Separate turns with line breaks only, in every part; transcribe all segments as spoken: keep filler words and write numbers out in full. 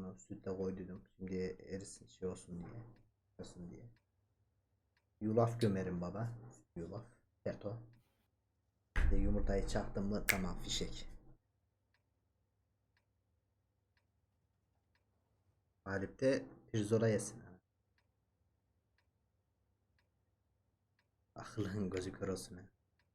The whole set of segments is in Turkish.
Onu sütle koydum. Şimdi erisin şey olsun diye. Olsun diye. Yulaf gömerim baba. Yulaf. Keto. Bir de yumurtayı çaktım mı tamam fişek. Galip de pirzola yesin. Aklın gözü kör olsun. Ha.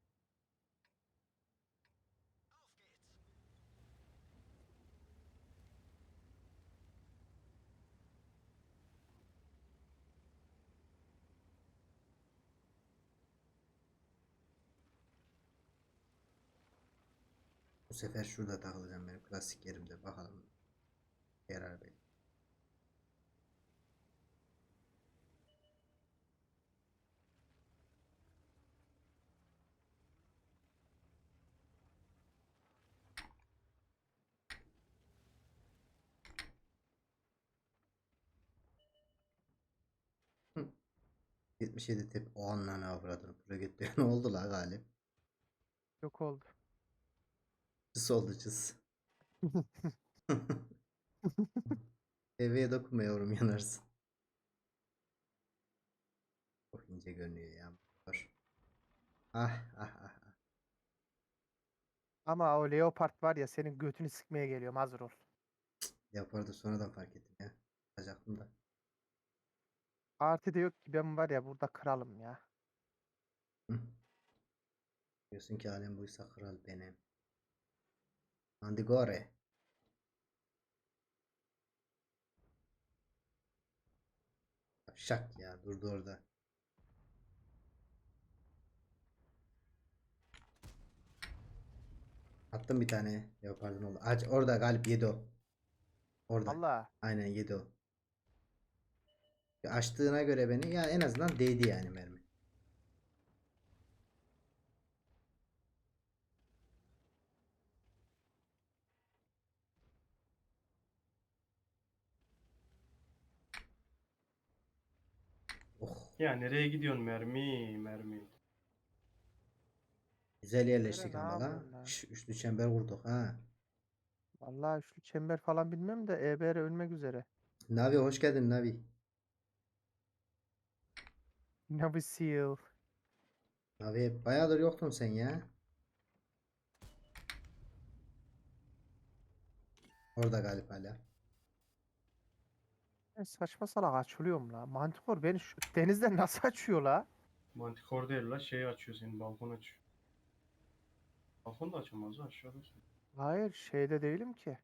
Bu sefer şurada takılacağım benim klasik yerimde. Bakalım. Yarar bey. Hı. yetmiş yedi tep. O anla ne avradını. Projekte ne oldu la Galip?
Yok oldu.
Cız oldu cız. Deveye dokunma yavrum yanarsın. Çok ince görünüyor ya. Var. Ah ah ah. ah.
Ama o Leopard var ya senin götünü sıkmaya geliyorum, hazır ol.
Yapardı sonradan fark ettim ya. Yapacaktım da.
Artı da yok ki, ben var ya burada kralım ya.
Hı. Diyorsun ki alem buysa kral benim. Andigore. Şak ya durdu orada. Attım bir tane. Leopard'ın oldu. Aç orada Galip yedi o. Orada.
Allah.
Aynen yedi o. Açtığına göre beni ya en azından değdi yani mermi. Oh.
Ya nereye gidiyorsun mermi mermi.
Güzel
Nere
yerleştik
ne
ama la.
yapıyorsun lan?
Şş, üçlü çember vurduk ha.
Vallahi üçlü çember falan bilmem de E B R ölmek üzere.
Navi hoş geldin Navi.
Navy Seal.
Navi bayağıdır yoktun sen ya. Orada Galip hala.
Ben saçma salak açılıyorum la. Mantikor beni şu denizden nasıl açıyor la?
Mantikor değil la, şey açıyor, senin balkon açıyor. Balkon da açamaz ha, aşağıda.
Hayır, şeyde değilim ki.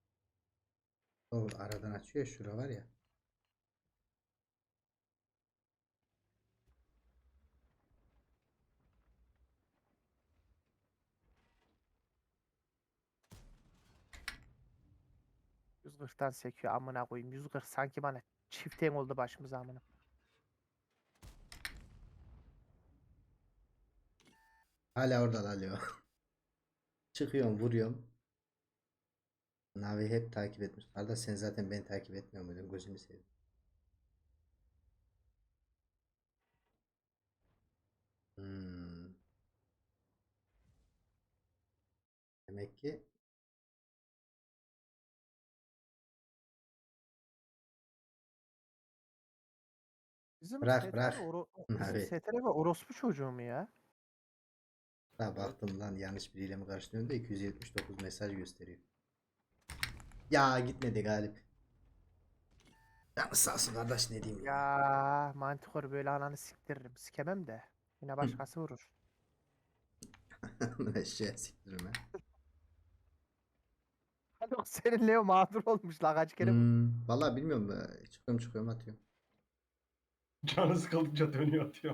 O aradan açıyor ya, şura var ya.
yüz kırktan sekiyor amına koyayım. yüz kırk sanki bana çiften oldu başımıza amına.
Hala orada alıyor. Çıkıyorum vuruyorum. Navi hep takip etmiş. Arda sen zaten beni takip etmiyor muydun? Gözünü seveyim. Hmm. Demek ki
Bizim
bırak
S T R
bırak.
oro bizim
Navi.
S T R ve orospu çocuğu mu ya?
Ha
Evet.
baktım lan yanlış biriyle mi karşılıyorsun da iki yüz yetmiş dokuz mesaj gösteriyor. Ya gitmedi Galip. Yalnız sağ olsun kardeş ne diyeyim ya.
Ya Mantikor böyle ananı siktiririm. Sikemem de. Yine başkası vurur.
Eşeğe siktirim ha.
Yok, senin Leo mağdur olmuş la, kaç kere vurdu.
Hmm, vallahi bilmiyorum. Ee, Çıkıyorum çıkıyorum atıyorum.
Canı sıkıldıkça dönüyor atıyor.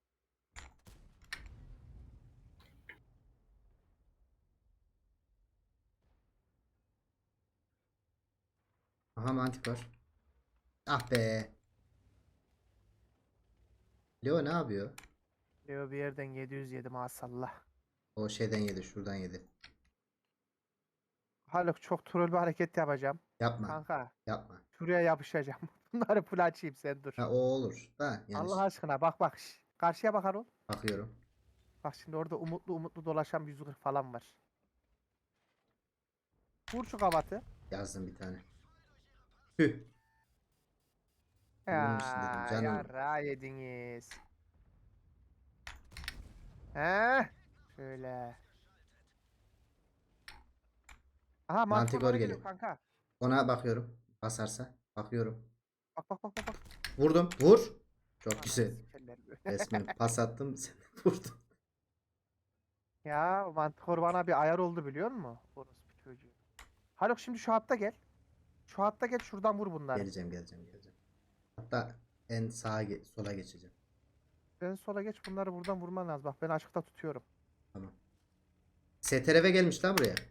Aha mantik var. Ah be. Leo ne yapıyor?
Leo bir yerden yedi yüz yedi maşallah.
O şeyden yedi şuradan yedi.
Haluk, çok troll bir hareket yapacağım.
Yapma.
Kanka
Yapma.
şuraya yapışacağım. Bunları full açayım, sen dur.
Ha o olur. Da yani
Allah
ş-
aşkına bak bak. şş. Karşıya bakar ol.
bakıyorum.
Bak şimdi orada umutlu umutlu dolaşan bir yüz kırk falan var. Vur şu kavatı.
Yazdım bir tane. Tüh.
Ya
Bunun için dedim canım.
yarra yediniz. He? Şöyle. Aha mantıklı
Mantigor
bana geliyor
geliyor.
kanka.
Ona bakıyorum. Basarsa. Bakıyorum.
Bak bak bak bak bak.
Vurdum. Vur. Çok
Ananı
güzel.
sikerler böyle.
Resmen pas attım. Sen de vurdun.
Ya mantıklı bana bir ayar oldu biliyor musun? Orospu çocuğu. Haluk şimdi şu hatta gel. Şu hatta gel şuradan vur bunları.
Geleceğim geleceğim geleceğim. Hatta en sağa ge- sola geçeceğim.
Sen sola geç bunları buradan vurman lazım. Bak ben açıkta tutuyorum.
Tamam. S T R V gelmiş lan buraya.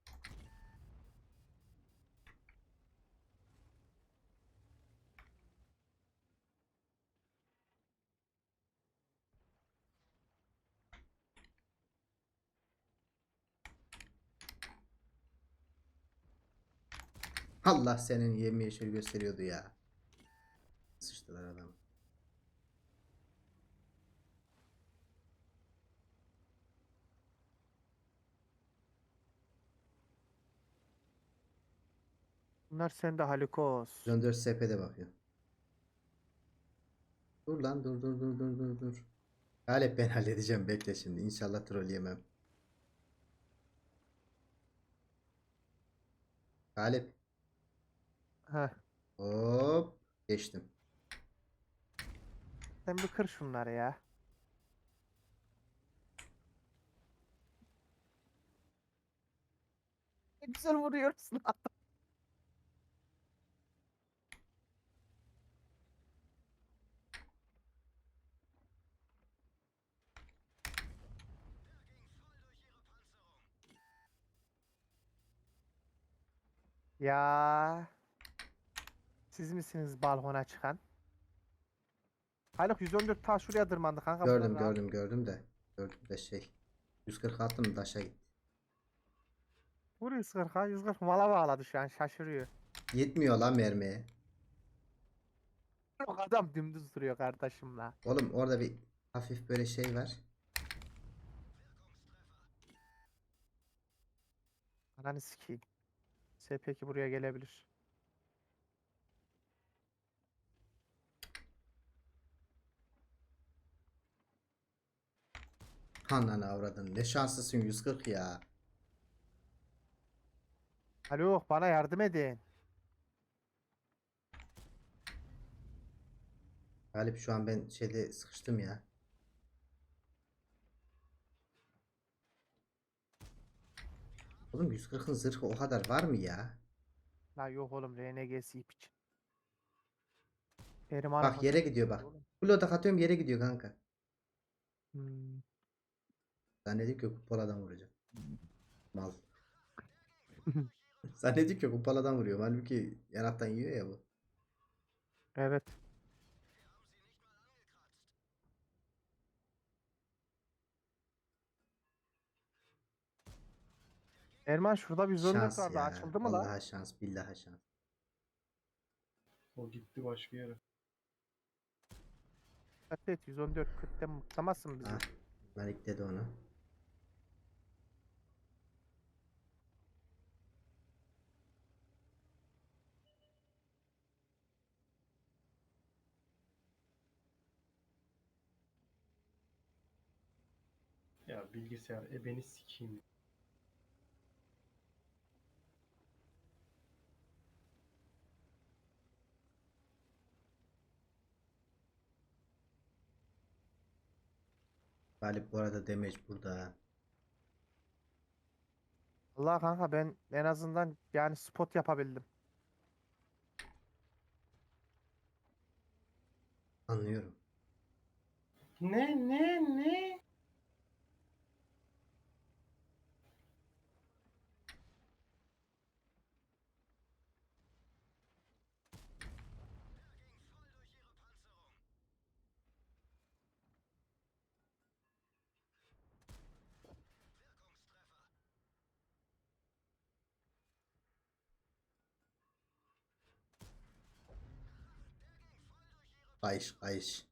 Allah senin yemyeşil gösteriyordu ya. Sıçtılar adam.
Bunlar sende Halikos.
dört S P'de bakıyor. Dur lan dur dur dur dur dur dur. Galip ben halledeceğim bekle şimdi. İnşallah troll yemem. Galip.
Heh.
Hop. Geçtim.
Sen bir kır şunları ya. Ne güzel vuruyorsun. Ya siz misiniz balkona çıkan? Haluk yüz on dört ta şuraya tırmandı kanka. Bunlar
Gördüm
rahat.
gördüm gördüm de. Gördüm de şey. yüz kırk attım taşa gitti.
Vur yüz kırka. yüz kırk mala bağladı şu an şaşırıyor.
Yetmiyor lan mermiye.
Yok adam dümdüz duruyor kardeşimle.
Oğlum orada bir hafif böyle şey var.
Ananı sikeyim. S P iki buraya gelebilir.
Ananı avradın. Ne şanslısın yüz kırk ya.
Haluk bana yardım edin.
Galip şu an ben şeyde sıkıştım ya. Oğlum yüz kırkın zırhı o kadar var mı ya?
La yok oğlum R N G'si ip için. Eriman'ın
Bak yere
hazır
gidiyor
tutuyor
bak.
oğlum.
Blodak atıyorum yere gidiyor kanka.
Hmm.
Zannediyor ki kupaladan vuracak. Mal. Zannediyor ki kupaladan vuruyor. Halbuki yanaktan yiyor ya bu.
Evet. Erman şurada bir yüz on dört
Şans
vardı.
ya.
Açıldı mı la?
Vallahi şans. Billahi şans.
O gitti başka yere.
Evet yüz on dört kırkta mıklamazsın bizi.
Ah. Malik dedi onu.
Ya bilgisayar ebeni sikeyim.
Galip bu arada damage burada.
Allah kanka ben en azından yani spot yapabildim.
Anlıyorum.
Ne ne ne?
Kayış kayış.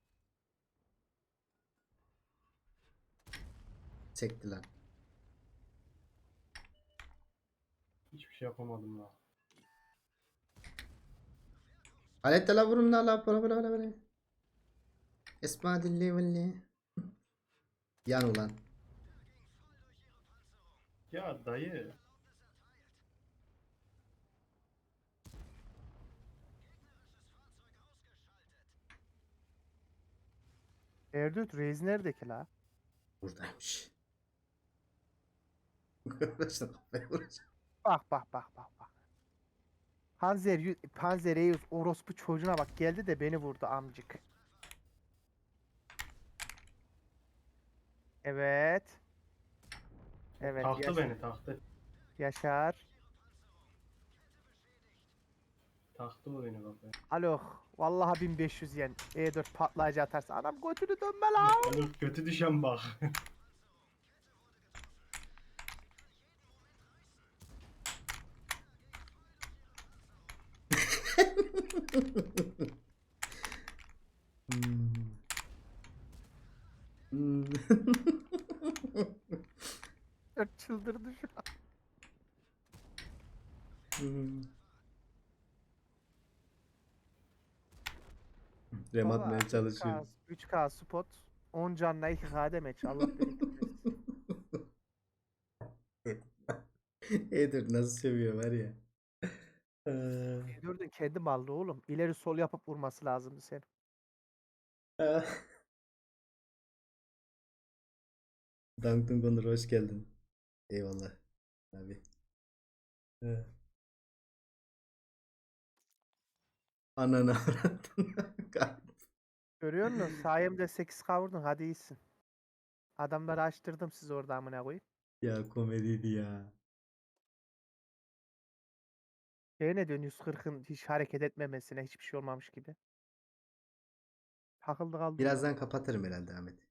Çekti lan.
Hiçbir şey yapamadım la.
Alette la vurun la la para para para. Esma dilli villi. Yan ulan.
Ya dayı.
Erdut Reis nerede ki la?
Buradaymış. Uğraştım kafaya uğraştım.
Bak bak bak bak bak. Panzer, yü- Panzer Reis orospu çocuğuna bak geldi de beni vurdu amcık. Evet. Evet
Taktı
Yaşar.
beni taktı.
Yaşar.
Taktı o beni kafaya.
Alo. Vallahi bin beş yüz yen. E dört patlayıcı atarsa adam götünü dönme lan.
Oğlum kötü düşen bak.
Hmm. Hmm.
Çıldırdı şu an.
Hmm. Rem
Baba,
atmaya çalışıyor.
üç K, üç K spot. on canla iki K demeç. Allah bereket versin.
Edir nasıl seviyor var ya. Ee,
Gördün kendi mallı oğlum. İleri sol yapıp vurması lazımdı senin.
ah. Duncan Connor hoş geldin. Eyvallah abi. Ee, Ananı avrattın.
Görüyor musun? Sayemde sekiz K vurdun. Hadi iyisin. Adamları açtırdım siz orada amına koyayım.
Ya komediydi ya.
Şey ne diyorsun yüz kırkın hiç hareket etmemesine hiçbir şey olmamış gibi. Takıldı kaldı orada.
Birazdan kapatırım herhalde Ahmet.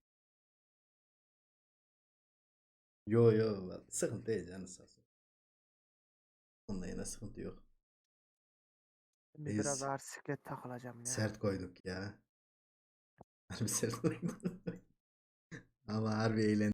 Yo yo sıkıntı değil canı sağ olsun. Onunla yine sıkıntı yok.
Şimdi
Biz
biraz ağır siklet takılacağım ya.
sert koyduk ya. Harbi sert koyduk. Ama harbi eğlen.